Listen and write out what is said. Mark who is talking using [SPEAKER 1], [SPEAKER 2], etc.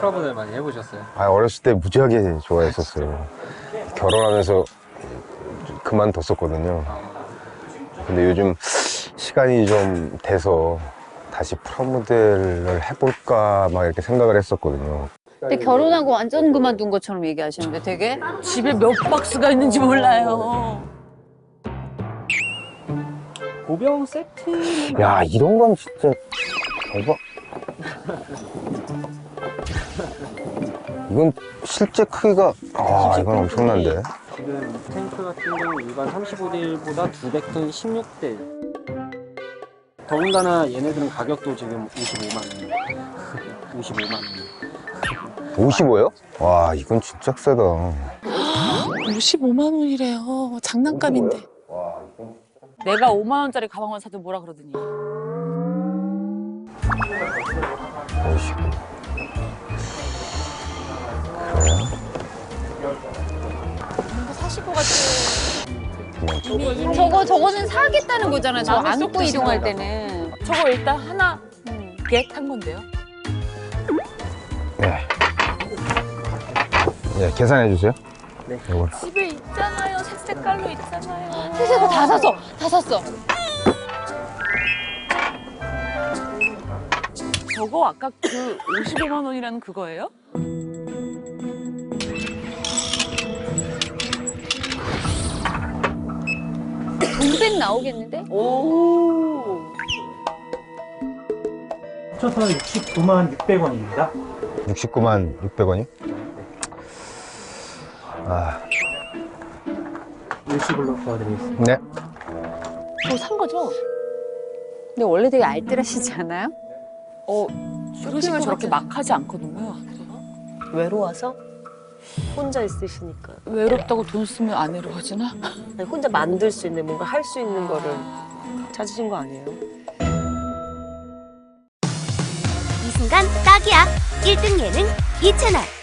[SPEAKER 1] 클럽을 많이 해보셨어요?
[SPEAKER 2] 아, 어렸을 때 무지하게 좋아했었어요. 결혼하면서 그만뒀었거든요. 근데 요즘 시간이 좀 돼서 다시 프라모델을 해볼까 막 이렇게 생각을 했었거든요.
[SPEAKER 3] 근데 결혼하고 완전 그만둔 것처럼 얘기하시는데 되게
[SPEAKER 4] 집에 몇 박스가 있는지 몰라요.
[SPEAKER 1] 보병 세트.
[SPEAKER 2] 야, 이런 건 진짜 대박. 이건 실제 크기가, 아, 이건 엄청난데.
[SPEAKER 1] 지금 탱크 같은 경우 일반 35대1보다 200톤 16대1. 더군다나 얘네들은 가격도 지금 55만 원. 55만 원.
[SPEAKER 2] 55요? 와, 이건 진짜 세다.
[SPEAKER 4] 55만 원이래요. 장난감인데.
[SPEAKER 2] 와, 이건...
[SPEAKER 4] 내가 5만 원짜리 가방만 사도 뭐라 그러더니.
[SPEAKER 2] 55.
[SPEAKER 4] 뭔가 사실 것 같아.
[SPEAKER 3] 저거는 사겠다는 거잖아. 저
[SPEAKER 4] 마음에 쏙
[SPEAKER 3] 안고
[SPEAKER 4] 드신
[SPEAKER 3] 이동할
[SPEAKER 4] 거다.
[SPEAKER 3] 때는.
[SPEAKER 4] 저거 일단 하나 겟한 건데요.
[SPEAKER 2] 네. 네, 계산해 주세요.
[SPEAKER 1] 네.
[SPEAKER 2] 이걸.
[SPEAKER 4] 집에 있잖아요. 색깔로 있잖아요.
[SPEAKER 3] 세세가 다 샀어. 다 샀어.
[SPEAKER 4] 저거 아까 그 55만 원이라는 그거예요?
[SPEAKER 3] 동백 나오겠는데?
[SPEAKER 4] 오.
[SPEAKER 5] 합쳐서 69만 600원입니다.
[SPEAKER 2] 69만 600원이? 아,
[SPEAKER 5] 일시불로 도와드리겠습니다.
[SPEAKER 2] 네.
[SPEAKER 4] 저거 산 거죠?
[SPEAKER 3] 근데 원래 되게 알뜰하시지 않아요?
[SPEAKER 4] 쇼핑을 저렇게 막 하지 않거든요.
[SPEAKER 6] 외로워서? 혼자 있으시니까.
[SPEAKER 4] 외롭다고 돈 쓰면 안 외로워지나?
[SPEAKER 6] 아니, 혼자 만들 수 있는, 뭔가 할 수 있는 거를 찾으신 거 아니에요?
[SPEAKER 7] 이 순간 딱이야. 1등 예능 2채널.